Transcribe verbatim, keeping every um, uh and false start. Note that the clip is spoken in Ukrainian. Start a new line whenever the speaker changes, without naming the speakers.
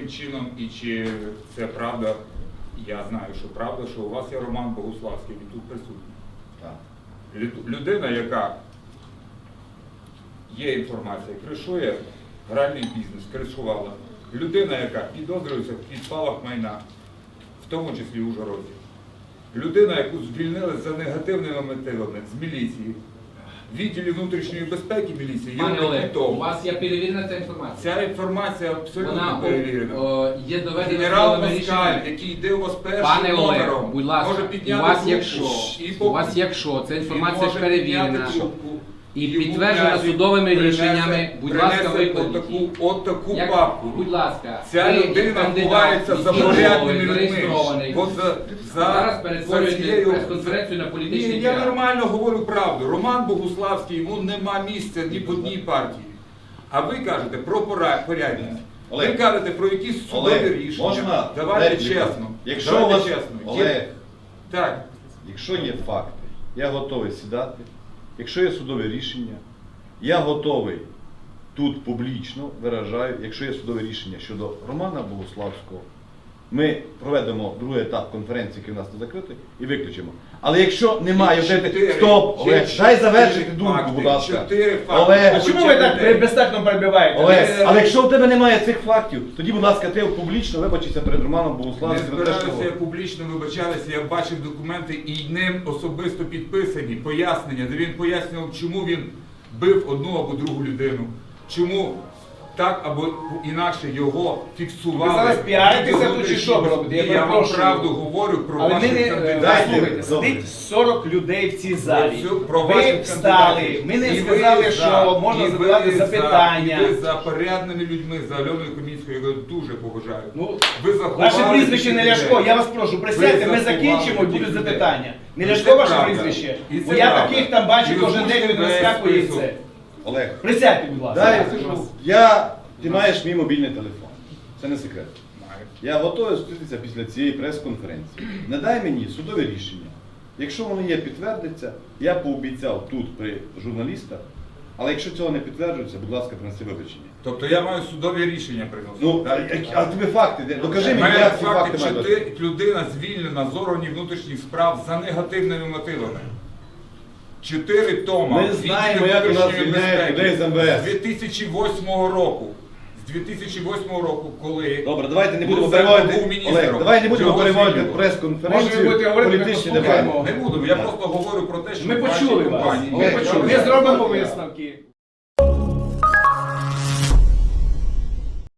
яким чином і чи це правда, я знаю, що правда, що у вас є Роман Богуславський, він тут присутній.
Так.
Лю- Людина, яка є інформація, кришує гральний бізнес, кришувала. Людина, яка підозрюється в підпалах майна, в тому числі в Ужгороді. Людина, яку звільнили за негативними мотивами з міліції, в відділі внутрішньої безпеки міліції.
Пане
є
Олег,
тому.
у вас є перевірена ця інформація?
Ця інформація абсолютно
Вона
перевірена.
о, є доведена
Генерал
судовими
Москаль,
рішеннями.
який йде у вас першим
Пане Олег,
номером,
будь ласка,
може
у
підняти
вас,
трубку
якщо,
і
у
по-
вас якщо ця
він
інформація
може
перевірена
підняти трубку,
і
йому
підтверджена
князь
судовими
принесе-
рішеннями, будь ласка,
принесе
викладіть
отаку,
її.
отаку
Як-
папку.
Будь ласка,
Ця
ви, як
людина
кандидат,
ховається за
який
порядними
готовий,
людьми.
зареєстрований,
От за, за,
зараз
за
перетворюєте
цією-
прес-конференцію на політичний
Ні, я
піар.
нормально говорю правду. Роман Богуславський, йому нема місця ні в одній партії. А ви кажете про пора- порядність. Ви
Олег.
кажете про якісь судові
Олег,
рішення.
можна
Давайте
репліку?
чесно.
Якщо
Давайте
у вас,
чесно. Є-
Олег,
Так.
якщо є факти, я готовий сідати. Якщо є судове рішення, я готовий тут публічно виражаю, якщо є судове рішення щодо Романа Богуславського, ми проведемо другий етап конференції, який у нас не закритий, і виключимо. Але якщо немає,
Чотири-
стоп, Олег,
чотири
дай завершити
факти,
думку, будь ласка.
чотири факти.
Олег,
А чому ви так безтактно перебиваєте?
Олег,
Ви-
але якщо у тебе немає цих фактів, тоді, будь ласка, ти публічно вибачися перед Романом
Не
Богуславським. за те, що
збираюся, я
говорив.
публічно вибачалися, я бачив документи і ним особисто підписані, пояснення, де він пояснював, чому він бив одну або другу людину, чому так або інакше його фіксували.
Ви зараз піаритеся тут чи що ви робите? Я
Ні, я вам
перепрошую.
правду говорю про
Але ми
ваших
не
кандидатів.
Дайте,
слухайте,
добре.
сидить сорок людей в цій залі.
Про цю- про ваших
Ви встали,
кандидатів.
ми не
І ви
сказали,
за,
що можна
і ви
задавати
за,
запитання.
І ви за порядними людьми, за Альоною Комінською, я його дуже поважаю.
Ну,
Ви заховали
ваше прізвище не
таких
Ляшко,
людей.
я вас прошу, присядьте,
Ви
ми
заховали
закінчимо і
таких
будуть
людей.
запитання. Не
І
Ляшко
це
ваше
правда.
прізвище,
І
бо
це
я
правда.
таких там бачу
І
кожен день,
озвучте
він
весь
розскакує і
список.
це.
Олег,
Присядьте, будь ласка.
дай,
Я прошу вас.
я, ти маєш мій мобільний телефон. Це не секрет.
Маю.
Я готовий зустрітися після цієї прес-конференції. Не дай мені судове рішення. Якщо воно є, підтвердиться, я пообіцяв тут при журналістах, але якщо цього не підтверджується, будь ласка, принеси вибачення.
Тобто я маю судові рішення приносити.
Ну, а,
так?
а тобі факти, де? Докажи мені,
Мене
як ці
факти,
факти мають бути.
чотири людина звільнена з органів внутрішніх справ за негативними мотивами. Чотири тома.
Ми знаємо, як у нас
внутрішньої
звільняють
безпеки.
людей з ем ве ес.
З дві тисячі восьмого року. З дві тисячі восьмого року, коли...
Добре, давайте не будемо
Луценко
переводити,
був міністром.
Олег, давай не будемо
Його
переводити
звільнили.
Може, ви
прес-конференцію
будете говорити, ми
політичні
послухаємо.
дебати.
Не буду, я просто говорю про те, що
Ми
в вашій
почули вас.
компанії
Ми
є
почули. Ми
чоловік.
зробимо висновки.